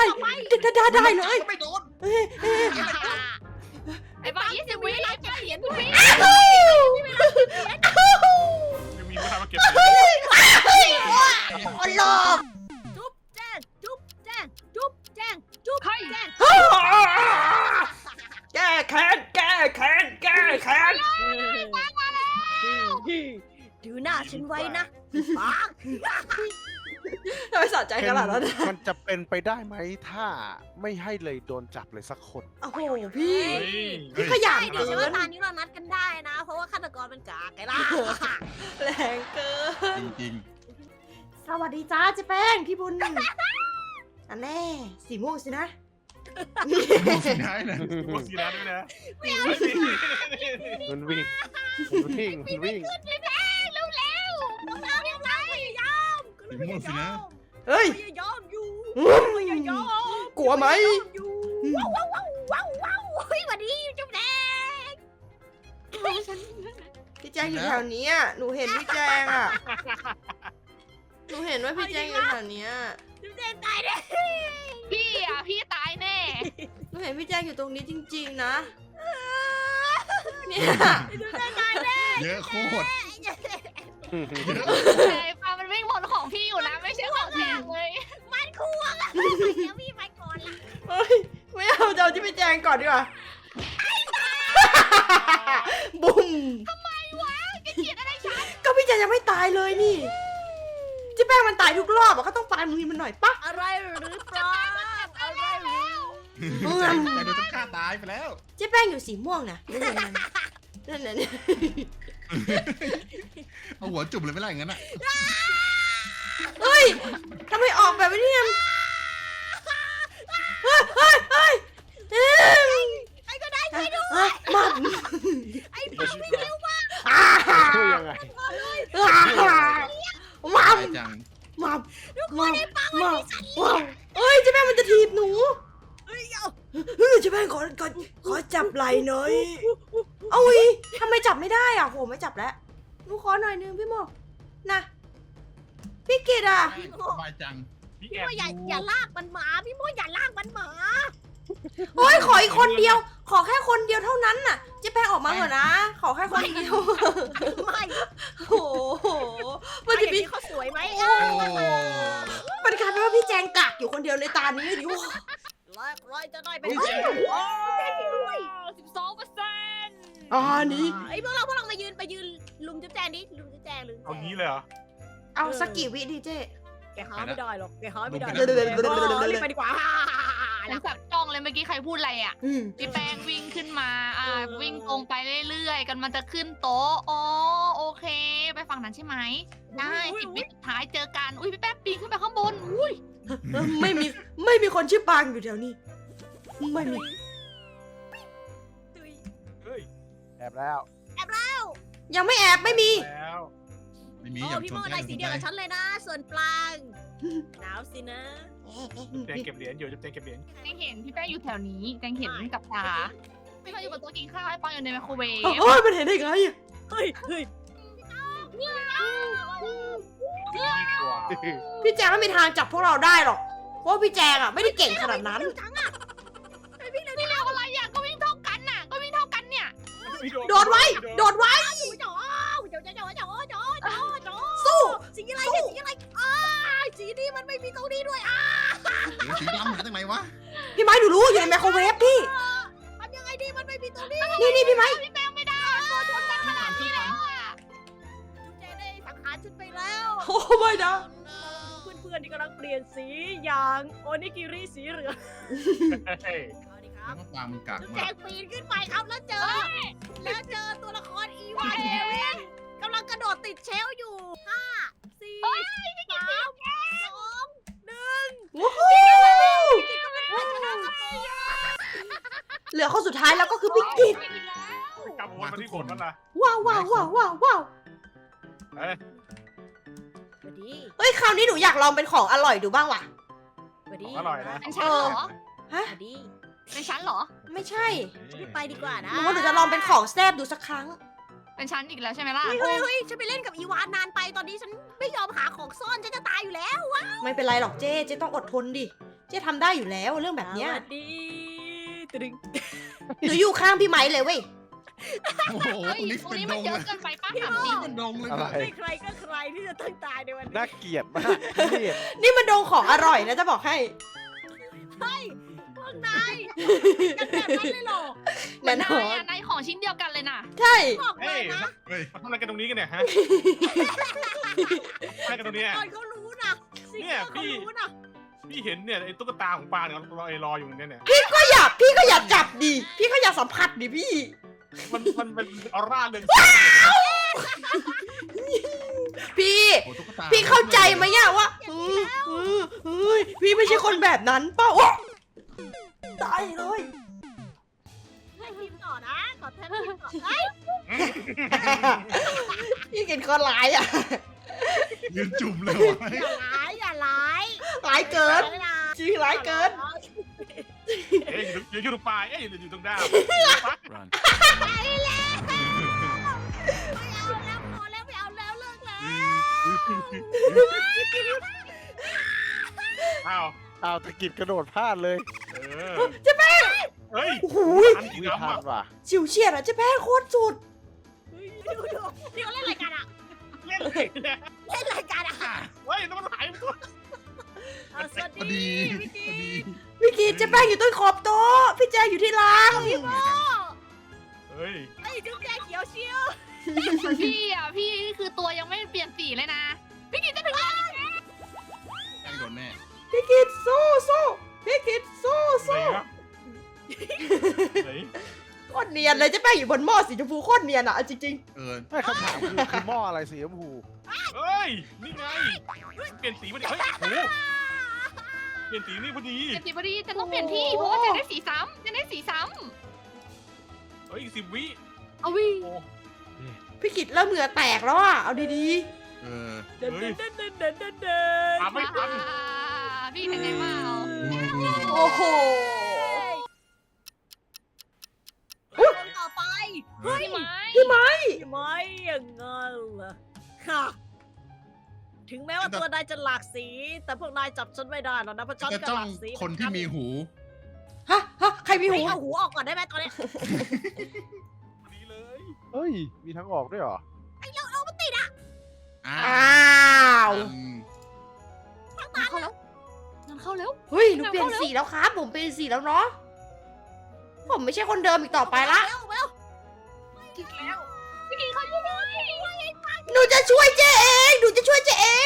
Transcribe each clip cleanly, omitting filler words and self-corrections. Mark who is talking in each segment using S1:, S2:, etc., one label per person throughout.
S1: ได้เลย
S2: ไม่โดน
S3: ไอ้บ้า20 วิไอ้เก็บเหรียญทุกวิ
S4: ยังมีเวลามาเก็บเหรียญ
S1: คนหลอก
S5: จุ๊บแจ้งจุ๊บแจ้งจุ๊บแจ้งจุ๊บแจ้ง
S1: แก้แค้นแก้แค้นแก้แค้น
S5: ดูหน้าฉันไว้นะปาก
S1: ทำไมสะใจขนาดนั้น
S2: มันจะเป็นไปได้ไหมถ้าไม่ให้เลยโดนจับเลยสักคน
S1: โอ้โหพี่
S4: เฮ้ย
S1: พี่ขยัน
S5: ใช่ดิ
S1: เกิ
S5: ฉันว่าน ตอนนี้เรานัดกันได้นะ เพราะว่าฆาตกรมันกากไงล่ะ
S1: แรงเกิน
S2: จริง
S1: สวัสดีจ้าเจ๊แป้งพี่บุญอันแน่สีม่วงสินะ
S2: ๆไม่ได้นะ
S4: พวกสีน้ำด้วยนะ
S2: มันวิ่งมันวิ่งมันวิ่ง
S5: พี่แพงเร็วๆน้องๆพยายามพยายาม
S1: เฮ้ย
S5: พยายามอยู่
S1: อื
S5: พยายาม
S1: กลัวไหม
S5: อยู่ว้าวว้าวว้าวว้าวเฮ้ยวันนี้จุ๊บแดง
S1: พี่แจงอยู่แถวนี้อะหนูเห็นพี่แจงอ่ะหนูเห็นว่าพี่แจงอยู่แถวเนี้ย
S5: จุ๊บแดงตายเลย
S3: พี่ตายแน่
S1: หนูเห็นพี่แจงอยู่ตรงนี้จริงๆนะเนี่ย
S5: จุ๊บแดงตายเลย
S2: เยอะโคตร
S3: ไอ้ปลามันวิ่งบนของพี่อยู่นะไม่ใช่ของแทนเลย
S5: มันควงอะเดี๋ยวพี่ไปก่อนละ
S1: เฮ้ยไม่เอาจะเอาที่พี่แจงก่อนดีกว่าบุ้ม
S3: แกเกลียดอะไรฉัน
S1: ก็พี่แจงยังไม่ตายเลยนี่เจ๊แป้งมันตายทุกรอบอะก็ต้องปามือมันหน่อยปะ
S5: อะไรหรือเปล่าอะไรหรือ
S2: แต่โดนฆ่าตายไปแล้ว
S1: เจ๊แป้งอยู่สีม่วงนะนั่นน่ะ
S2: เอาหัวจุ่มเลยไม่ไรอย่างนั้นอ่ะ
S1: เฮ้ยทำไมออกแบบนี้เนี่ยเฮ้ยเฮ้ยเฮ้ย
S5: ไอ้ก็ได้ช่วยด้วย
S1: มา
S5: ไอ้ปังวิ่งเร็วมาก
S2: ช่วยยังไง
S1: มา
S2: ตายจัง
S1: มามามาเอ้ยเจ๊แป้งมันจะถีบหนู
S5: เฮ้ยเอา
S1: เฮ้ยเจ๊แป้งขอจับไหล่หน่อยเอาอีทำไมจับไม่ได้อ่ะโหไม่จับแล้วหนูขอหน่อยนึงพี่โมนะพี่กิตอ่ะ
S2: สบายจัง
S4: พี่
S5: พี่
S4: แอบ
S5: ว่าอย่าลากมันหมาพี่โมอย่าลากมันหมา
S1: โอ้ยขออีกคนเดียว ขอแค่คนเดียวเท่านั้นน่ะเจ๊แป้งออกมาเถอะนะ ขอแค่คนเดียว
S5: ไม่
S1: โอ้โหมันจะมี
S5: เขาสวยไหม
S2: โอ้
S1: มันกลายเป็นว่าพี่แจงกักอยู่คนเดียวในตานี้ดิว
S5: ร้อยจะได้เป็น
S2: อุ๊ย
S3: 12%
S1: อ่านี้
S5: ไอ้พวกเรามายืนลุมจุ๊บแจงดิลุมจุ๊บแจงลุม
S4: เอางี้เลยเหรอ
S1: เอาสักกี่วิดีเจ
S5: แกหาไม่ได้หรอกแกหาไม่ได้
S1: เดี๋ยว
S5: รีบไปดีกว่า
S3: ฉันจับจ้องเลยเมื่อกี้ใครพูดอะไรอ่ะ
S1: อืม
S3: พี่แป้งวิ่งขึ้นมาวิ่งตรงไปเรื่อยๆกันมันจะขึ้นโต๊ะอ๋อโอเค ไปฝั่งนั้นใช่ไหมได้10 วิสุดท้ายเจอกันอุ้ยพี่แป้งปีนขึ้นไปข้างบนอุ้ย
S1: ไม่มีคนชื่อปางอยู่แถวนี้ ไม่มี
S4: เฮ้ย
S2: แอบแล้ว
S1: ยังไม่แอบไม่มี
S4: แล้ว
S2: ไม่มี
S5: โอ้
S2: อย่าง
S5: พี่
S2: ช
S5: โม
S2: น
S5: ได้สีเดียวกับฉันเลยนะ ส่วนปลางหนาวสินะ
S4: แจงเก็บเหรียญอยู่จะแจงเก็บเหรียญ
S3: แจงเห็นพี่แป้งอยู่แถวนี้แจงเห็นกับตาพี่แป้งอยู่บนโต๊ะกินข้าวไอ้ปางอยู่ในไมโครเวฟ
S1: โอ้ยมันเห็นได้ไงอะ
S5: เฮ้ย
S4: ดีกว่า
S1: พี่แจงไม่มีทางจับพวกเราได้หรอก เพราะว่าพี่แจงอะไม่ได้เก่งขนาดนั้น
S3: นี่เอาอะไรอ่ะก็วิ่งเท่ากันน่ะก็วิ่งเท่ากันเนี่ย
S1: โดดไว้ โดดไว้
S5: จ๋อจ๋อ
S1: สู้
S5: สีอะไรสีอะไรสีนี้มันไม่มีตรงนี้ด้วย
S2: สีดำมาจากไหนวะ
S1: พี่ไม้หนูรู้อยู่ในไมโครเวฟพี่
S5: ทำยังไงดีมันไม่มีตรงนี้
S1: นี่พี่ไม้
S3: พี่แป้งไม่ได้ตัวชนกันขนาดนี้แล้วอ่ะ
S5: จุ๊บแจได้สังหารฉันไปแล้ว
S1: โอ้ไม่นะ
S5: เพื่อนๆที่กำลังเปลี่ยนสีอย่างโอนิกิริสีเหลือง
S4: เฮ้ย
S5: เอาดิครับ
S2: น้ำปลามันกัก
S5: จุ๊บ
S2: มา
S5: แจ
S2: ก
S5: งปีนขึ้นไปครับแล้วเจอตัวละครอีวานเอเวนกำลังกระโดดติดเชลอยู่5 4 3 2
S1: วู้ฮู้เหลือคนสุดท้ายแล้วก็คือพี่กิต
S4: กลับวนมาที่ฝนมันล่ะ
S1: ว้าวว้าวว้าวว้าวว้าว
S4: เฮ้ย
S5: สวัสดี
S1: เฮ้ยคราวนี้หนูอยากลองเป็นของอร่อยดูบ้างว่ะ
S5: สวัสดี
S4: อร่อยนะ
S3: เป็นฉันเหรอ
S1: ฮะ
S5: สวัสดี
S3: เป็นฉันเหรอ
S1: ไม่ใช่
S5: รีบไปดีกว่านะ
S1: หนูว่าหนูจะลองเป็นของแซ่บดูสักครั้ง
S3: เป็นฉันอีกแล้วใช่ไหมล่ะ
S5: เฮ้ยฉันไปเล่นกับอีวานนานไปตอนนี้ฉันไม่ยอมหาของซ่อนฉันจะตายอยู่แล้ว
S1: ไม่เป็นไรหรอกเจ๊ต้องอดทนดิ เจ๊จะทำได้อยู่แล้วเรื่องแบบเนี้ย
S5: สวัสดีตรึง
S1: หนูอยู่ข้างพี่ไม้เลยเว้ย
S6: โอ้โห
S3: เฮ้ย
S6: ตรงนี้
S3: ตรง
S6: เป็น
S3: นี้
S6: ด
S3: มัน
S6: ง
S3: เย
S6: เล
S3: อะ
S6: ย
S3: เกินไปป้าถามจริง
S6: เป็นดงเลย
S2: อะไร
S5: ไม่ใครก็ใครที่จะต้องตายในวันนี้
S2: น่าเกลียดมากเกลียด
S1: นี่มันโดงของอร่อยนะจะบอกให้
S5: เฮ้ยพวกนายกันแบบนั้นเลยเหรอ
S1: แน่นอน
S3: ในของชิ้นเดียวกันเลยนะ
S1: ใช่
S5: บอกเล
S4: เฮ้ย
S5: ยนะ
S6: เฮ้ย
S4: มาทำอะไรกันตรงนี้กันเนี่ยฮะอะไรกันตรงเนี้ย
S5: ตอนเขารู้นะซิง
S4: เนี่
S5: เกิ
S4: ย
S5: ลเขารู้นะ
S4: พี่เห็นเนี่ยไอ้ตุ๊กตาของปลาเนี่ยรออยู่เนี่ย
S1: พี่ก็อยากจับดิพี่ก็อยากสัมผัสดิพี่
S4: มันเป็นออร่าเรือง
S1: พี่
S6: โอ้ตุ๊กตา
S1: พี่เข้าใจไหมอะว่าพี่ไม่ใช่คนแบบนั้นเปล่าโอ๊ะตายเลย
S5: ให้พิมพ์ต่อนะขอแทนพิมพ์ต่อเฮ้ย
S1: พี่กินคนร้ายอะ
S6: ยืนจุ่มเลยวะ
S5: อย่าร้ายอย่าร้าย
S1: ร้ายเกิน
S5: อย่าร้าย
S1: จริงร้ายเกิน
S4: เอ้ยอยู่ตรงปลายเอ้ยอยู่ตรงด้าม
S5: ไม่เอาแล้วพอแล้วไม่เอาแล้วเลิกแล้ว
S4: อ้าว
S2: อ้าวตะกิดกระโดดพลาดเลย
S4: เจ๊แป้งเฮ้ย
S1: โอ้โห
S4: อันสี
S2: วิ
S4: ดำ
S2: ทั
S4: อ่ะ
S2: นว่ะ
S1: ชิวเฉียดอะเจ๊แป้งโคตรสุด
S5: ดูนี่เขาเล่นอะไรกันอะ
S4: เล่นเลยเนี่ย
S5: เล่นอะไรกันอะ
S4: เฮ้ยน้ำมันหายไปตัว
S5: เอาสวัส
S6: พอ
S5: ดี
S6: ดี
S5: พี่
S6: พ
S5: กี
S6: อดี
S1: พี่กินเจ๊แป้งอยู่ต้นขอบโต๊ะพี่แจงอยู่ที่ล้าง
S4: เฮ้ย
S5: ไอ้ยจุ๊บแจเขียวเชียว
S3: พี่อ่ะพี่คือตัวยังไม่เปลี่ยนสีเลยนะ พี่กินจะถึงแล้ว
S6: แจ้งโดนแน่
S1: พี่กินสู้พี่กินสู้
S4: ไหนวะไหน
S1: โคตรเนียนเลยเจ๊แป้งอยู่บนหม้อสีชมพูโคตรเนียนอะเอาจริง
S6: เออ
S2: ไม่คำถามคือหม้ออะไรสีชมพู
S4: เฮ้ยนี่ไงเปลี่ยนสีพอดีเฮ้ยโอ้โหเปลี่ยนสีนี่พอดี
S3: เปลี่ยนสีพอดีจะต้องเปลี่ยนที่เพราะว่าจะได้สีซ้ำจะได้สีซ้
S4: เฮ้ยอีก10 วิ
S3: ำเอาวิ
S4: โอ้
S1: ๆพี่กินเริ่มเหงื่อแตกแล้วอะเอาดี
S6: เออ
S5: เดิน
S4: เฮ้ย
S5: เดินเดินเดินเดินเดิน
S4: ตามไม่ทัน
S3: พี่เป็นไงบ้าง
S1: ๆโอ้โห
S5: คนต่อไป
S6: เฮ้ย
S3: พี่ไม้
S5: ไม่อย่างงั้นเหรอค่ะ ถึงแม้ว่าตัวนายจะหลากสี แต่พวกนายจับฉันไม่ได้หรอกนะเพราะฉัน
S6: จะ
S5: ก็
S6: จ้อ
S5: ห
S6: ง
S5: ลากสี
S6: คนที่มีหู
S1: ฮะใครมีหู
S5: เอาหูออกก่อนได้ไหมตอนนี้
S4: พอดีเลย
S2: เฮ้ย มีทางออกด้วยเหรอ
S6: อ้า
S1: อ้าว
S6: อืม
S3: งานเข้าแล้วงานเข้าแล้ว
S1: เฮ้ยหนูเปลี่ยนสีแล้วครับผมเปลี่ยนสีแล้วเนาะผมไม่ใช่คนเดิมอีกต่อไปละ
S5: เร็วเร็ว
S3: พี่กินเขาช่วยด้วย
S1: หนูจะช่วยเจ๊เองหนูจะช่วยเจ๊เอง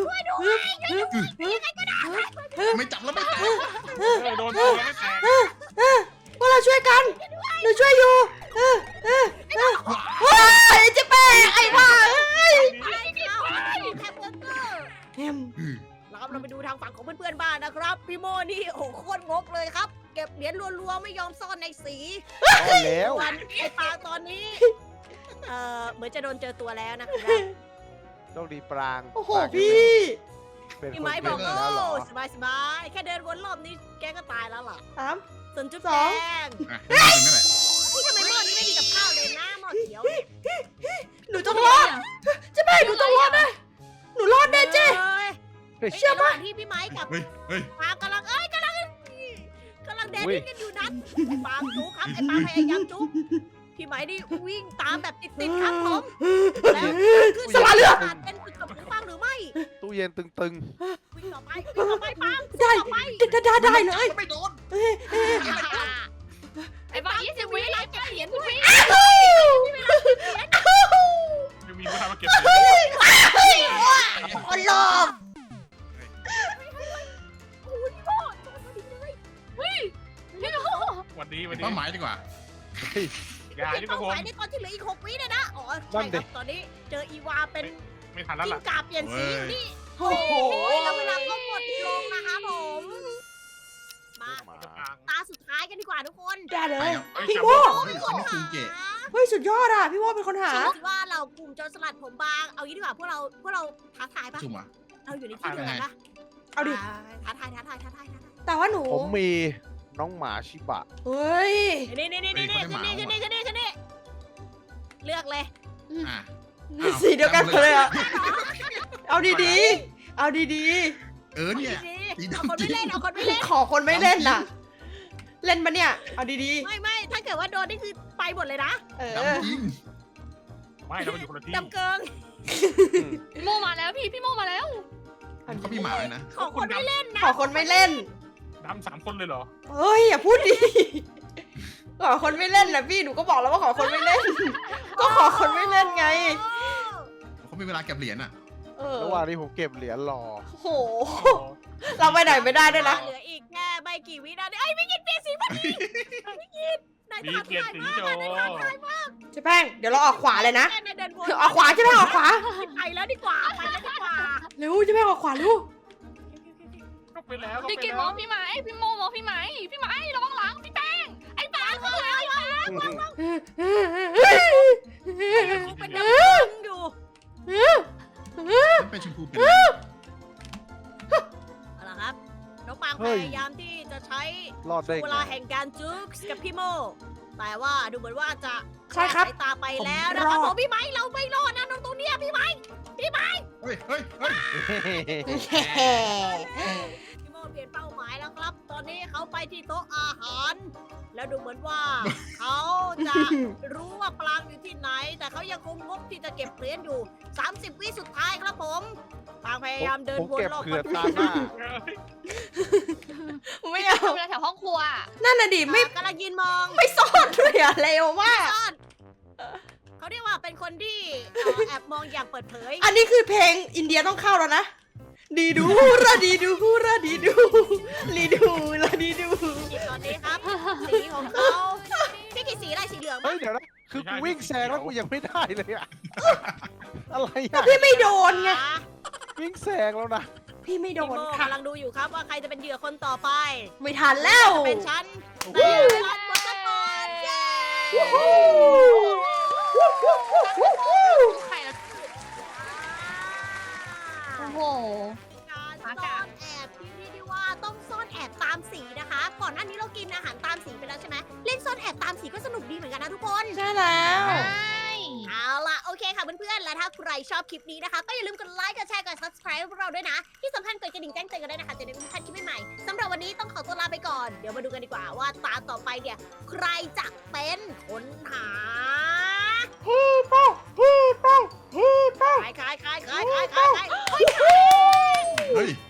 S6: ไม่จับแล้วไม่จับ
S4: โดนตัวไม่แตก
S1: พวกเราช่วยกันหนูช่วยอยู่เฮ้ยเจ๊แป้งไอ้บ้าเอ้ย
S5: ไปข้าวแฮมเบอร์เกอร์
S1: แฮม
S5: เราไปดูทางฝั่งของเพื่อนๆบ้านนะครับ พี่โมนี่โอ้โหโคตรงกเลยครับ เก็บเหรียญรัวๆไม่ยอมซ่อนในสี
S2: ก็แล้ว
S5: ส่วนไอ้ปางตอนนี้ เหมือนจะโดนเจอตัวแล้วนะครับ
S2: โชคดีปราง
S1: โอ้โห
S2: ปราง
S1: พี่
S2: เป็น
S5: พี่
S2: คน
S5: ไม้บ
S2: เป็
S5: อน ก
S2: แล้วเหรอ
S5: สบายๆแค่เดินวนรอบนี้แกก็ตายแล้วล่ะ
S1: สาม
S5: ส่วนจุ๊บ
S1: ส
S5: แด
S1: อง
S5: ง
S6: อ่ะให้มันเป็นนั่นแหละ
S5: นี่ทำไมหม้อนี้ไม่มีกับข้าวเลยนะหม้อเขียว
S1: หนูต้องรอดเจ๊แป้งหนูต้องรอดได้หนูรอดแน่เจ๊
S2: เฮ้ย
S5: เชื่อป่ะที่พี่ไม้กับ
S6: เฮ้ย เฮ้ย
S5: ปางกำลังแดนดิ้นกันอยู่นั้นไอ้ปางจุ๊บครับไอ้ปางพยายามจุ๊บพี่ไม้นี่วิ่งตามแบบติดๆครับผมแล้ว
S1: สละเรือ
S5: อาจเป็นจุดจบของปางหรือไม่
S2: ตู้เย็นตึง
S5: วิ่งต่อไปปาง
S1: ได้ได้เลย
S6: ไม่โดน
S3: ไอ้บ้า20 วิไอ้บ้าเหรียญทุกวิ
S4: ยังมีคนทำมาเก็บ
S1: คนหลอก
S3: พี่โน
S4: วันนี้
S6: เป้าหมายดีกว่า
S4: อย่า
S5: ที่
S4: นี่
S5: ต้
S4: ก็
S5: อง
S4: ผม
S5: ไปในตอนที่เหลืออีก6 วิเนี่ยนะอ๋อใช่ครับตอนนี้เจออีวาเป็น
S4: ไม่ทันแล้ว
S5: กิ้
S4: ล่ะ
S5: งก่าเปลี่ยนสีอยู่นี่
S1: โอ้โห
S5: แล้วเวลาก็หมดลงนะคะผม
S2: ๆ
S5: มา
S2: มา
S5: ตาสุดท้ายกันดีกว่าทุกคน
S1: ได้เลย
S6: ไปครับ
S1: พี่
S4: จับ
S1: โว้
S6: เฮ้ยอันนี้คุงเกะ
S1: เฮ้ยสุดยอดอ่ะพี่โว้เป็นคนหา
S5: คิดว่าเรากลุ่มโจรสลัดผมบาง เอางี้ดีกว่าพวกเราท้าทายปะ
S6: จุ่มอ่ะ
S5: เราอยู่ในที่เดียวกันปะ
S1: เอาดิ
S5: ท้าทาย
S1: แต่ว่าหนู
S2: ผมมีน้องหมาชิบะ
S1: เฮ้ย
S5: นี่คือนี่เลือกเลย
S6: อ่ะ
S1: สีเดียวกันเลยอ่ะเอาดีๆเอาดี
S6: เออเนี่ย
S5: ดี
S6: สี
S5: เอา
S6: ดำ
S5: คน
S6: จริ
S5: ไม่
S6: ง
S5: เล่นเอาคนไม่เล่น
S1: ขอคนไม่เล่นน่ะ เล่นปะเนี่ย เอาดี
S5: ไม่ถ้าเกิดว่าโดนนี่คือไปหมดเลยนะ
S1: ๆ เออ
S6: ดำจริง
S4: ไม่เราอยู่คนละที่
S5: ดำเกิง
S3: พี่โมมาแล้วพี่โมมาแล้ว
S6: เขาพี่หมาเลยนะ
S5: ขอคนไม่เล่นนะ
S1: ขอคนไม่เล่น
S4: ดำ3 คนเลยเหรอ
S1: เฮ้ยอย่าพูดดิ ขอคนไม่เล่นนะพี่ หนูก็บอกแล้วว่าขอคนไม่เล่น ก็ขอคนไม่เล่นไง
S6: เขามีเวลาเก็บเหรียญอ่ะ
S1: เออ
S2: ระหว่างนี้ผมเก็บเหรียญรอ
S1: โอ้โห เราไปไหนไม่ได้ด้วยนะ
S5: เหลืออีกแค่ไม่กี่วินาทีไอ้ยพี่กินเปลี่ยนสีมันพี่กินนาย
S4: มี
S5: ท้า
S4: เปลี่ยน
S5: ทาย
S4: สี
S5: มาก
S4: โจ
S5: นายท้าทายมาก
S1: ใช่แป้ง เดี๋ยวเราออกขวาเลยนะ
S5: แค่นายเดินวน
S1: ออกขวาใช่ไหมออกขวา
S5: ไปแล้วดีกว่าไปแล้วดีกว่า
S1: เร็วใช่ไหมออกขวาเร็ว
S4: ก็ไปแล้วก็
S3: พี่
S4: ไป
S3: กินม
S4: แล้
S3: อ
S4: ว
S3: งพี่ไหมพี่โมมองพี่ไหมพี่ไหมระวังหลังพี่แป้งไอ้แป้งมาแล้ว
S5: เป็นดำอยู่
S6: เป็นชมพูเป็น
S5: เอาล่ะครับน้องปาง
S2: เฮ้
S5: พ
S2: ย
S5: ยายามที่จะใช้
S2: รอดได้
S5: เว
S2: ไง
S5: ลาแห่งการจุ๊กกับพี่โมแต่ว่าดูเหมือนว่าจะ
S1: ใช่ครับ
S5: สายตาไปแล้วนะครับผมพี่ไม้เราไม่รอดนะน้องตรงเนี้ยพี่ไม้
S6: เฮ้ย
S5: พี่โมเปลี่ยนเป้าหมายแล้วครับ ตอนนี้เขาไปที่โต๊ะอาหาร แล้วดูเหมือนว่า เขาจะรู้ว่าปลางอยู่ที่ไหน แต่เขายังคงงกที่จะเก็บเหรียญอยู่ 30 วิสุดท้ายครับผมปางพยายามเดิน
S2: ผม
S5: วน
S2: เก็บ
S5: รอบ
S2: เผื่อตามหน้า
S1: ไม่เอา
S3: ทำอะไรแถวห้องครัว
S1: นั่นน่ะดิไม่
S5: กำลังยืนมอง
S1: ไม่ซ่อนด้วยอ่ะเร็วมาก
S5: ซ่อนเขาเรียกว่าเป็นคนที่แอบมองอย่างเปิดเผย
S1: อันนี้คือเพลงอินเดียต้องเข้าแล้วนะ ดีดูระดีดูระดีดูรีดูระดีดู
S5: ตอนนี้ครับ สีของเขาพี่กี่สีอะไรสีเหลือง
S2: เฮ้ยเดี๋ยวนะ คือกูวิ่งแซงแล้วกูยังไม่ได้เลยอะอะไร
S1: ก็
S2: อะ
S1: พี่ไม่โดนไง
S2: วิ่งแซงแล้วนะ
S1: พี่ไม่โด
S5: พี่
S1: น
S5: โม
S1: ค่ะ
S5: กำลังดูอยู่ครับว่าใครจะเป็นเหยื่อคนต่อไป
S1: ไม่ทันแล้ว
S5: จะเป็นฉัน
S2: โอ้
S5: ใน
S2: โห
S5: เวลาหมดก่อนเย้
S3: ใครละโอ้โห
S5: การซ่อนแอบที่เรียกได้ว่าต้องซ่อนแอบตามสีนะคะ ก่อนหน้านี้เรากินอาหารตามสีไปแล้วใช่ไหมเล่นซ่อนแอบตามสีก็สนุกดีเหมือนกันนะทุกคน
S1: ใช่แล้ว
S3: ใช่
S5: เอาล่ะ โอเคค่ะเพื่อนๆ และถ้าใครชอบคลิปนี้นะคะ ก็อย่าลืมกดไลค์ กดแชร์ กด subscribe พวกเราด้วยนะ ที่สำคัญกดกระดิ่งแจ้งเตือนกันด้วยนะคะ จะได้ไม่พลาดคลิปใหม่ๆสำหรับวันนี้ต้องขอตัวลาไปก่อน เดี๋ยวมาดูกันดีกว่าว่าตาต่อไปเนี่ย ใครจะเป็นคนหา
S1: พี่แป้งพี่แป้งพี่แป้ง
S5: ใคร
S6: เฮ้ย